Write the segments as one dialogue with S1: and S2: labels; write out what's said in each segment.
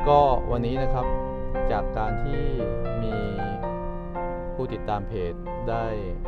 S1: ก็วันนี้นะครับจากการที่มีผู้ติดตามเพจได้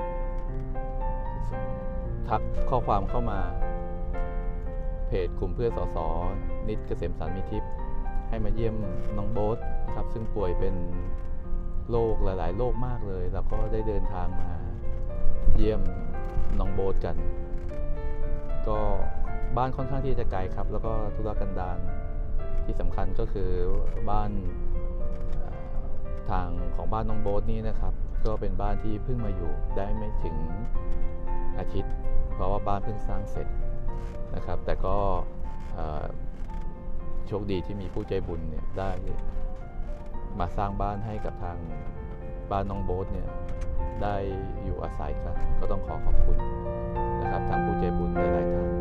S1: ทักข้อความเข้ามาเพจกลุ่มเพื่อนสสนิตเกษมสารมีทิพย์ให้มาเยี่ยมน้องโบ๊ทนะครับซึ่งป่วยเป็นโรคหลายๆโรคมากเลยแล้วก็ได้เดินทางมาเยี่ยมน้องโบ๊ทกันก็บ้านค่อนข้างที่จะไกลครับแล้วก็ธุรกันดารที่สำคัญก็คือบ้านทางของบ้านน้องโบ๊ทนี่นะครับก็เป็นบ้านที่เพิ่งมาอยู่ได้ไม่ถึงอาทิตย์เพราะว่าบ้านเพิ่งสร้างเสร็จนะครับแต่ก็โชคดีที่มีผู้ใจบุญเนี่ยได้มาสร้างบ้านให้กับทางบ้านน้องโบ๊ทเนี่ยได้อยู่อาศัยกันก็ต้องขอบคุณนะครับทางผู้ใจบุญหลายๆท่าน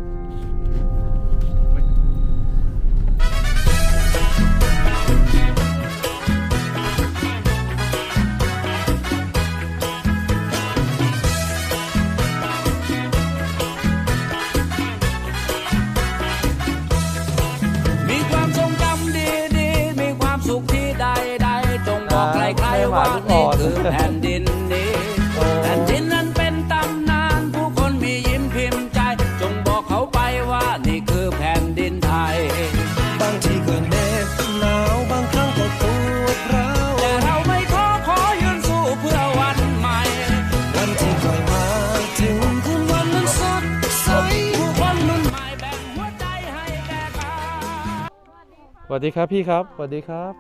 S2: ว่านี่คือแผ่นดินนี้แผ่นดินนั้นเป็นตำนานผู้คนมียิ้มพิมพ์ใจจงบอกเขาไปว่านี่คือแผ่นดินไทย
S3: บางทีก็เหน็บหนาวบางครั้งก็ปวดร้าว
S2: แต่เราไม่ขอยืนสู้เพื่อวันใหม่
S3: วันที่ค่อยมาถึงคืนวันนั้นสดใส
S2: ผู้คนรุ่นใหม่แบ่งหัวใจให้แก่กัน
S1: สวัสดีครับพี่ครับสวัสดีครับ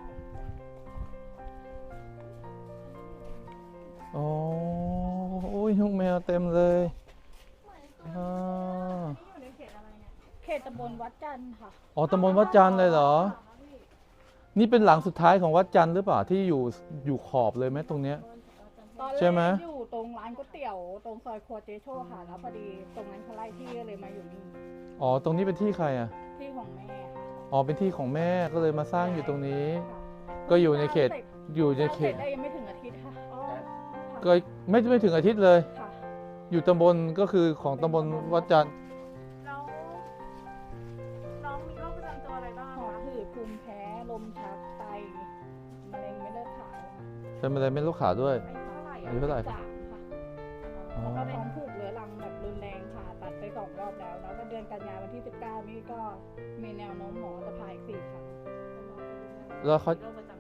S1: โอ้ยลูกแมวเต็มเลย
S4: เขตตำบลวัดจันทร์ค่ะ
S1: อ๋อตำบลวัดจันทร์เลยเหรอนี่เป็นหลังสุดท้ายของวัดจันทร์หรือเปล่าที่อยู่ขอบเลยไหมตรงเนี้ยใช่ไหม
S4: อยู่ตรงร้านก๋วยเตี๋ยวตรงซอยครัวเจโชค่ะแล้วพอดีตรงนั้นเขาไล่ที่เลยมาอยู่นี่
S1: อ๋อตรงนี้เป็นที่ใครอ่ะ
S4: ที่ของแม่
S1: อ๋อเป็นที่ของแม่ก็เลยมาสร้างอยู่ตรงนี้ก็อยู่ในเขต
S4: ได้ยังไม่ถึงอาทิตย์ค่ะ
S1: ก็ไม่ถึงอาทิตย์เลยอยู่ตำบลก็คือของตำบลวัดจันทร์
S4: แล้วน้องมีโรคประจำตัวอะไรบ้างหอบหืดภูมิแพ้ลมชักไตมะเร็งเม็ดเลือดขาว
S1: เป็นมะเร็งเม็ดเลือดขาวด้วย
S4: อายุเท่าไหร่ค่ะแล้วก็ท้องผูกเรื้อรังแบบรุนแรงค่ะตัดไป2 รอบแล้วแล้วก็เดือนกันยายนวันที่19นี่ก็มีแนวโน้มหมอจะผ่าอีก4 ครั้ง
S1: แล้วเขา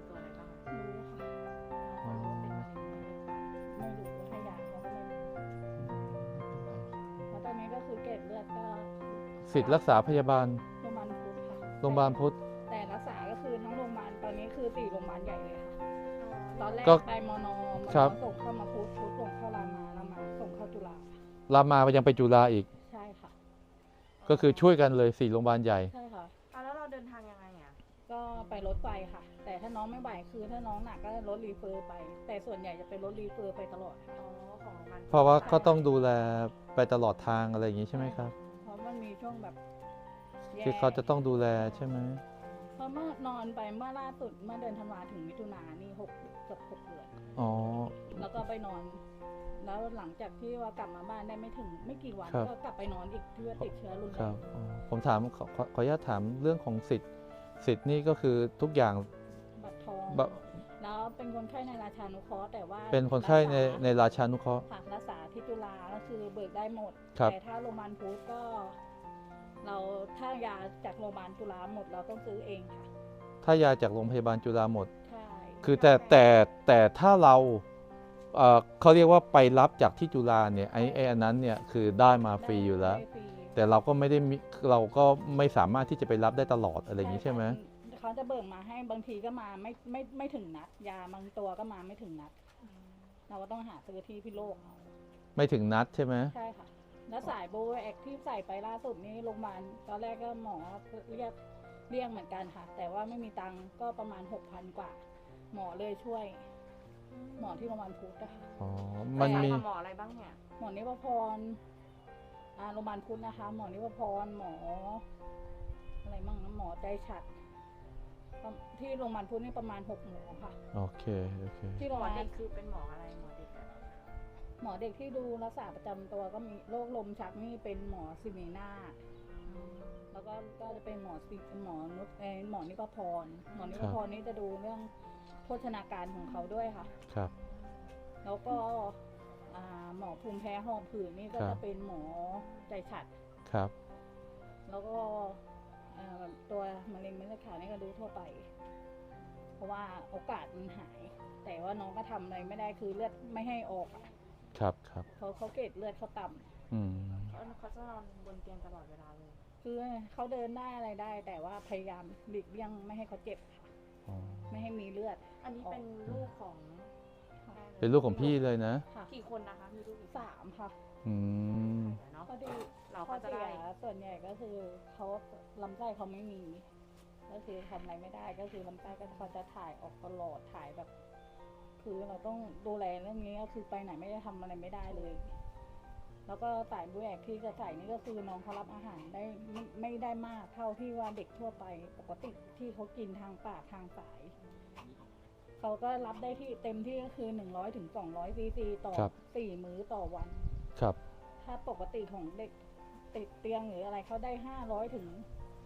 S1: สิทธิ์รักษาพยาบาลโรงพยาบาลพุทธ
S4: แต่รักษาก็คือทั้งโรงพยาบาลตอนนี้คือ4 โรงพยาบาลใหญ่เลยค่ะตอนแรกไปมน.ส่งเข้ามาพุทธส่งเข้ารามาส่งเข้าจุฬา
S1: รามายังไปจุฬาอีก
S4: ใช่ค่ะ
S1: ก็คือช่วยกันเลย4 โรงพยาบาลใหญ่
S4: ใช่ค่ะแล้วเราเดินทางยังไงอ่ะก็ไปรถไฟค่ะแต่ถ้าน้องไม่ไหวคือถ้าน้องหนักก็รถรีเฟอร์ไปแต่ส่วนใหญ่จะเป็นรถรีเฟอร์ไปตลอด
S1: ของมันเพราะว่าก็ต้องดูแลไปตลอดทางอะไรอย่างนี้ใช่ไหมครับ
S4: มันมีช่วงแบบ
S1: ที่เขาจะต้องดูแลใช่ไหม
S4: เพราะเมื่อนอนไปเมื่อล่าสุดเมื่อเดือนธันวาถึงมิถุนายนนี่เกือบ6 เดือน
S1: อ๋อ
S4: แล้วก็ไปนอนแล้วหลังจากที่ว่ากลับมาบ้านได้ไม่กี่วันก็กลับไปนอนอีกเพื่อติดเชื้อรุนแรง
S1: ผมถามขออนุญาตถามเรื่องของสิทธิ์นี่ก็คือทุกอย่าง
S4: บัตรทองแล้วเป็นคนไข้ในราชานุเคราะห์แต่ว่า
S1: เป็นคนไข้ในราชานุเคราะห์
S4: รักษาที่จุฬาก็คือเบิกได้หมดแต่ถ้าโรงพยาบาลพุทธก็ถ้ายาจากโรงพยาบาลจุฬาหมดเราต้องซื้อเองค่ะ
S1: ถ้ายาจากโรงพยาบาลจุฬาหมด
S4: ใช่
S1: คือแต่ถ้าเราเขาเรียกว่าไปรับจากที่จุฬาเนี่ยไอ้อันนั้นเนี่ยคือได้มาฟรีอยู่แล้วแต่เราก็ไม่สามารถที่จะไปรับได้ตลอดอะไรอย่างนี้ใช่ไหม
S4: เขาจะเบิกมาให้บางทีก็มาไม่ถึงนัดยาบางตัวก็มาไม่ถึงนัดเราก็ต้องหาซื้อที่พิโลก
S1: ไม่ถึงนัดใช่ไหม
S4: ใช่ค่ะแล้วสายโบแอคที่ใส่ไปล่าสุดนี้โรงพยาบาลตอนแรกก็หมอเรียกเหมือนกันค่ะแต่ว่าไม่มีตังค์ก็ประมาณ 6,000 กว่าหมอเลยช่วยหมอที่โรงพยาบาลพุทธนะคะ
S1: อ๋อมันมี
S4: หมออะไรบ้างเนี่ยหมอนิพพรโรงพยาบาลพุทธนะคะหมอนิพพรหมออะไรบ้างหมอใจฉัดที่โรงพยาบาลพุทธนี่ประมาณ6 หมอค่ะ
S1: โอเค
S4: ที่โรงพยาบาลคือเป็นหมออะไรหมอเด็กที่ดูรักษาประจำตัวก็มีโรคลมชักนี่เป็นหมอซิเมนาแล้วก็จะเป็นหมอนุชหมอนิพพรหมอนิพพรนี่จะดูเรื่องโภชนาการของเขาด้วยค่ะ
S1: ครับ
S4: แล้วก็หมอภูมิแพ้หอบหืดนี่ก็
S1: ครั
S4: จะ
S1: บ
S4: เป็นหมอใจฉัด
S1: ครับ
S4: แล้วก็ตัวมะเร็งเม็ดเลือดขาวนี่ก็ดูทั่วไป เพราะว่าโอกาสมันหาย แต่ว่าน้องก็ทำอะไรไม่ได้คือเลือดไม่ให้ออกอะ
S1: ครับ ครับ
S4: เขาเกล็ดเลือดเขาต่ำ
S1: อืม
S5: เขาจะนอนบนเตียงตลอดเวลาเลย
S4: คือเขาเดินได้อะไรได้ แต่ว่าพยายามหลีกเลี่ยงไม่ให้เขาเจ็บค่ะ
S1: อ๋อ
S4: ไม่ให้มีเลือด
S5: อันนี้เป็นลูกของ
S1: เป็นลูกของพี่เลยนะ
S4: ค่ะ
S5: กี่คนนะคะ มีลูกกี่คน
S4: 3 ค่ะ
S1: อืม
S5: เนาะ
S4: พอดี
S5: เรา
S4: ข้
S5: ก็
S4: อ
S5: จะ
S4: เสี
S5: ได้
S4: ยส่วนใหญ่ก็คือเขาลำไส้เขาไม่มี ก็คือทำอะไรไม่ได้ก็คือลำไส้ก็เขาจะถ่ายออกตลอดถ่ายแบบ คือเราต้องดูแลเรื่องนี้ก็คือไปไหนไม่ได้ทำอะไรไม่ได้เลย แล้วก็สายบุแอกที่จะใส่นี่ก็คือน้องเขารับอาหารได้ไม่ได้มากเท่าที่ว่าเด็กทั่วไปปกติที่เขากินทางปากทางสายเขาก็รับได้ที่เต็มที่ก็คือ100 ถึง 200 ซีซีต่อ
S1: ครับ
S4: 4 มื้อต่อวัน
S1: ครับ
S4: ถ้าปกติของเด็กติดเตียงหรืออะไรเขาได้500 ถึง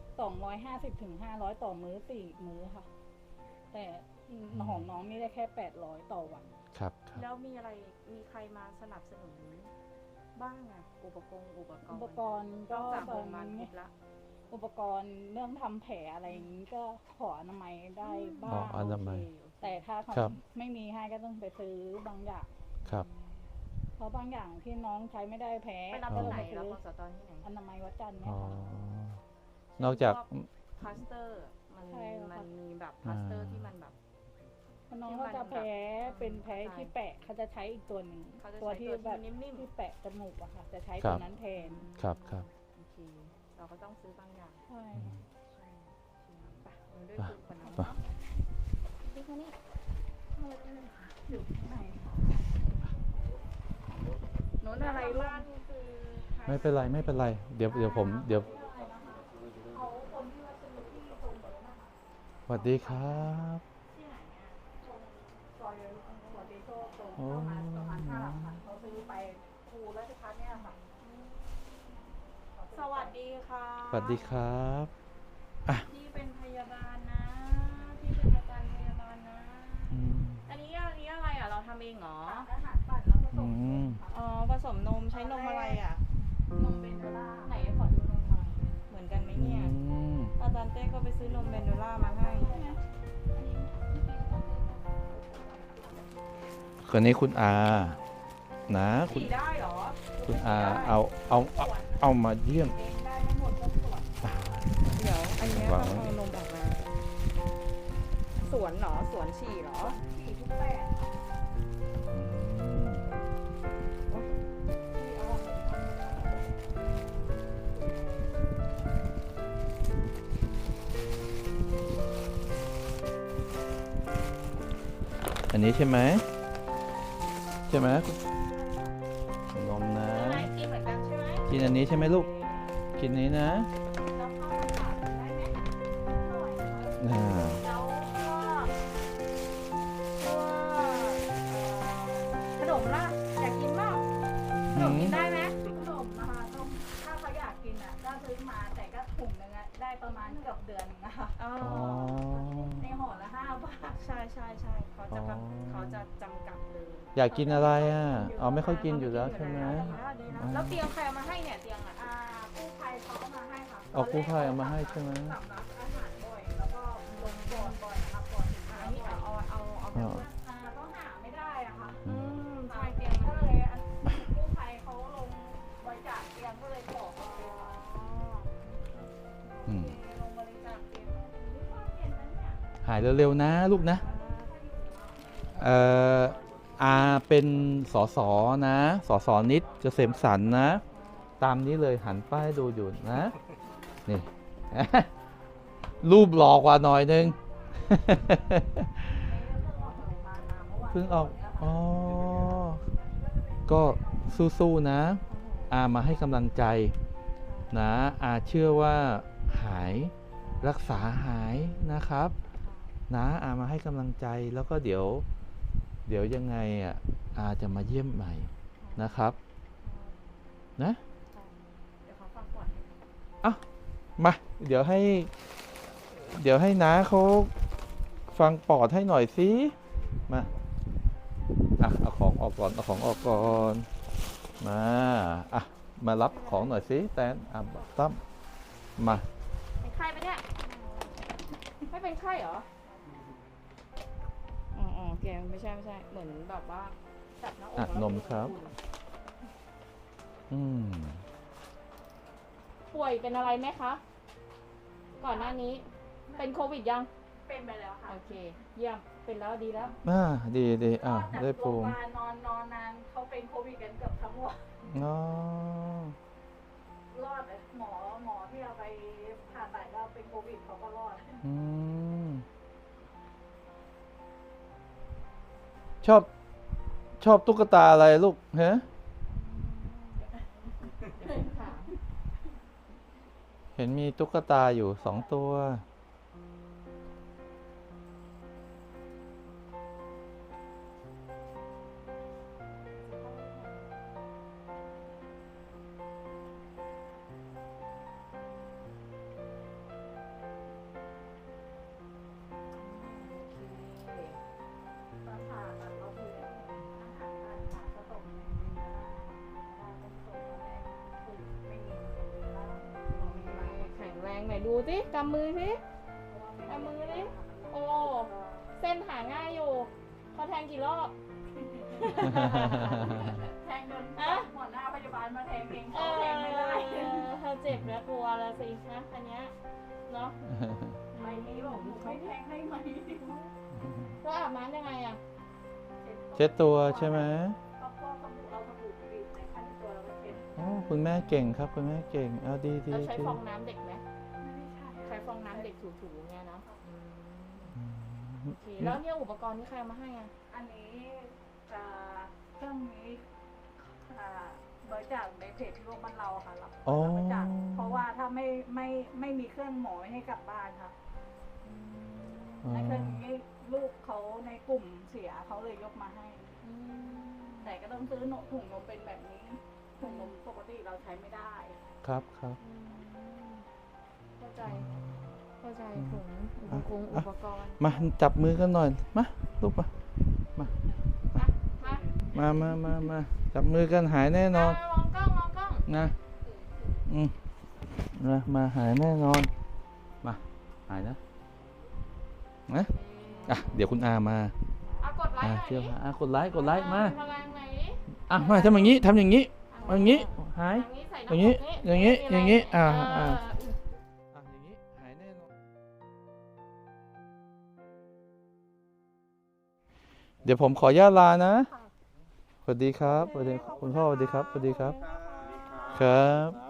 S4: 250 ถึง 500 ต่อมื้อ4 มื้อค่ะ แต่ของน้องนี่ได้แค่800 ต่อวัน
S1: ครับ ครับ
S5: แล้วมีใครมาสนับสนุนบ้างอะอุปกรณ์
S4: อุปกรณ์
S5: น
S4: ก็
S5: อกจาก
S4: ต
S5: โร
S4: อน
S5: งพยาบาล
S4: นี้
S5: พุทธละ
S4: อุปกรณ์เรื่องทำแผลอะไรอย่างนี้ก็ขออนามัยได้บ้า
S1: อ๋อง อนามัย
S4: แต่ถ้าเขา
S1: ครับ
S4: ไม่มีให้ก็ต้องไปซื้อบางอย่าง
S1: ครับ
S4: เพราะบางอย่างที่น้องใช้ไม่ได้แพ้
S5: ไปรับ
S4: ก็
S5: ที่
S4: เลย
S5: ไหน
S4: ไป
S5: รับ
S4: ซื้อ
S5: กสตที่ไหน
S4: อนามัยวัดจันทร์เนี่
S1: อ๋
S4: ย
S1: อ
S4: ค่ะ
S1: นอกจาก
S5: พลาสเตอร์มัน
S4: ใช่ค่ะ
S5: มันมีแบบพลาสเตอร์ที่มันแบบ
S4: เพราะน้องเขาจะแพ้เป็นแพ้ที่แปะเขาจะใช้อีกตัวหนึ่ง
S5: เขาจะ
S4: ตัว
S5: ใช้
S4: ที่
S5: ตัว
S4: แบบ
S5: ที่นิ่ม
S4: ที่แปะจมูกอะค่ะ จะใช้
S1: ครั
S4: ตัว
S1: บ
S4: นั้นแทน
S1: ครับ ครับ
S5: ๆโอเคเราก็ต้องซื้อบางอย่าง
S4: ใช่
S5: ใช่ไปเราด้วยคุยกันเนาะพี่คนนี้
S4: อยู่ข้างในค่ะโน้นอะไรลูก
S5: บ้านคือ
S1: ไม่เป็นไร ไม่เป็นไร เดี๋ยวผม เดี๋ยว
S4: เอาคนที่ว่าซื้อที่ตรงนี้นะคะ
S1: สวัสดีครับ
S4: ที่ไหนเนี่ยตรงซอยหัวดีโซ่ตรง
S1: โอ้
S4: ประมาณ5 หลักพันเขาซื้อไปครูราชพัฒน์เนี่ยค่ะ
S5: สวัสดีค่ะ
S1: สวัสดีครับ
S5: พี่เป็นพยาบาลนะพี่เป็นอาจารย์พยาบาลนะ
S1: อืม
S5: อันนี้อะไรอ่ะ เราทำเองเหรอ
S4: อาหารปั่นแล้วผส
S1: อื
S4: ม
S1: ม
S5: อ๋อ ผสมนมใช้นมอะไรอ่ะ
S4: นมเบนโดล่าไหนขอดูนมหน่อย
S5: เหมือนกันไหม
S1: อื
S5: เนี่ย
S1: ม
S5: อาจารย์เต้ก็ไปซื้อนมเบนโดล่ามาให้
S1: คนนี้คุณอา นะ
S5: ฉี่ได้เหรอ
S1: คุณอา เอามาเยี่ยม
S4: เองได้ไม่หมดก็ตรวจ
S5: เดี๋ยว อันเนี้ย
S1: วาง
S5: ต้อง
S1: ไว้
S5: เอานมออกมา สวนเหรอ สวนฉี่เหรอ
S4: 4 ทุก8
S1: อืม อันนี้ใช่ไหม ใช่ไหมนมนะ
S5: ใช่ไหมกินเหมือนกันใช่ไหม
S1: กินอันนี้ใช่ไหมลูก กินนี้นะ
S4: แล้วเข้ามาถามได้ไหมอร่อยไหม
S1: อ่า
S5: แล้วก็ขนมล่ะ อยากกินเปล่าขนมกินได้ไหม
S4: ขนมนะคะต้องถ้าเขาอยากกินอ่ะก็ซื้อมาแต่ก็ถุงนึงอ่ะได้ประมาณเกือบเดือนนึงนะคะ
S5: อ๋อ
S1: อ๋อ
S4: ในห่อละ5 บาท
S5: ใช่เขาจะจำกัดเลย
S1: อยากกินอะไรอ่ะ เอาไม่ค่อยกินอยู่แล้วใช่ไหม
S5: แล้วเตียงใครเอามาให้เนี่ยเตียงอ่ะ
S4: กู้ภัยเขาเอามาให้ค่ะ
S1: เอากู้ภัยเอามาให้ใช่ไหม
S4: สำรับอาหารบ่อยแล้วก็ลงก่อนบ่อยนะคะก่อนถึง
S5: อันนี้เอาไป
S4: ก็หาไม่ได้อะค่ะ
S1: อืม
S5: ใช่เตียง
S4: ก็
S5: มัน
S4: เลยกู้ภัยเขาลงบริจาคเตียงก็เลยบอกเอาไปค่ะ
S1: อืม
S4: ลงบริจาคเตียงนี่ว่าเย็นนะเนี่ย
S1: หายเร็วๆนะลูกนะ อาเป็นสสนะ สสนิดเกษมสันต์นะ ตามนี้เลยหันป้ายดูอยู่นะ นี่ รูปหลอกกว่าหน่อยนึง เพิ่งออก อ๋อ ก็สู้ๆนะ อามาให้กำลังใจนะ อาเชื่อว่าหายรักษาหายนะครับ นะอามาให้กำลังใจแล้วก็เดี๋ยวยังไงอ่ะอาจะมาเยี่ยมใหม่นะครับ นะ
S5: เดี๋ยวเขาฟังก่อน
S1: อ่ะมาเดี๋ยวให้น้าเขาฟังปอดให้หน่อยสิมาเอาของออกก่อนมารับของหน่อยสิแตนตั้มมา
S5: เป็นไข้ปะเนี่ย ไม่เป็นไข้เหรอ อ๋อโอเคไม่ใช่ เหมือนแบบว่าจับหน้าอกแล้ว
S1: นมครับ
S5: ป่วยเป็นอะไรไหมคะ ก่อนหน้านี้ เป็นโควิดยัง
S4: เป็นไปแล้วค่ะ
S5: โอเค เยี่ยม เป็นแล้วดีแล้ว
S1: ดีได้
S4: จาก
S1: ภู
S4: โรงพ
S1: มิ
S4: ยาบาลนอนนานเขาเป็นโควิดกันเกือบทั้งวัน
S1: อ๋อ
S4: รอดเลยหมอที่เอาไปผ่าตัดก็เป็นโควิดเขาก็รอด
S1: ชอบตุ๊กตาอะไรลูกฮะเห็นมีตุ๊กตาอยู่2 ตัว
S4: ตอนผ่าตัดก็คืออาหารการผ่าก็ตกในเวลาเป็นตกแรกคือไม่มีแล้ว
S5: แข็งแรงไหนดูสิกำมือสิกำมือสิโอ้เส้นหาง่ายอยู่เขาแทงกี่รอบ
S4: แทงจนหัวหน้าพยาบาลมาแทงเอง
S5: เอ
S4: เขา
S5: อ
S4: แทงไม่ได้
S5: เธอเจ็บแล้วกลัวแล้วสินะอันเนี้ยเนาะ
S4: ใบนี้บอกไม่แทงได้ไหม
S5: ก็อาบน้ำยังไงอ่ะ
S1: เช็ดตัวใช่ไหม
S4: ก็พวกเอาสบู่บีบในขั้นตัวแล้วก็เช็ด
S1: อ๋อคุณแม่เก่งครับคุณแม่เก่งเอาดี
S5: เราใช้ฟองน้ำเด็กไหม
S4: ไม่ได้ใช่
S5: ใช้ฟองน้ำเด็กถูๆเงี้ยเนาะโอเคแล้วเนี่ยอุปกรณ์ที่ใครเอามาให้อ่ะ
S4: อันนี้เครื่องนี้บริจาคในเพจที่โรงพยาบาลเราค่ะรับบริจาคเพราะว่าถ้าไม่มีเครื่องหมอไม่ให้กลับบ้านค่ะในเครื่องนี้ลูกเขาในกลุ่มเสียเขาเลยยกมาให้ แต่ก็ต้องซื้อถุงนมเป็นแบบนี้ถุงนมปกติเราใช้ไม่ได้
S1: ครับ
S5: เข้าใจถุงอุปกรณ์
S1: มาจับมือกันหน่อยมาลูกมาจับมือกันหายแน่นอน
S5: มองกล้อง
S1: นะมาหายแน่นอนมาหายนะเดี๋ยวคุณอามา
S5: กดไลค์หน่อย
S1: เที่ยวกดไลค์มา
S5: พลังไหน
S1: มาทำอย่างนี้หายอย่างนี้หายแน่นอนเดี๋ยวผมขออนุญาตลานะสวัสดีครับสวัสดีคุณพ่อสวัสดีครับครับ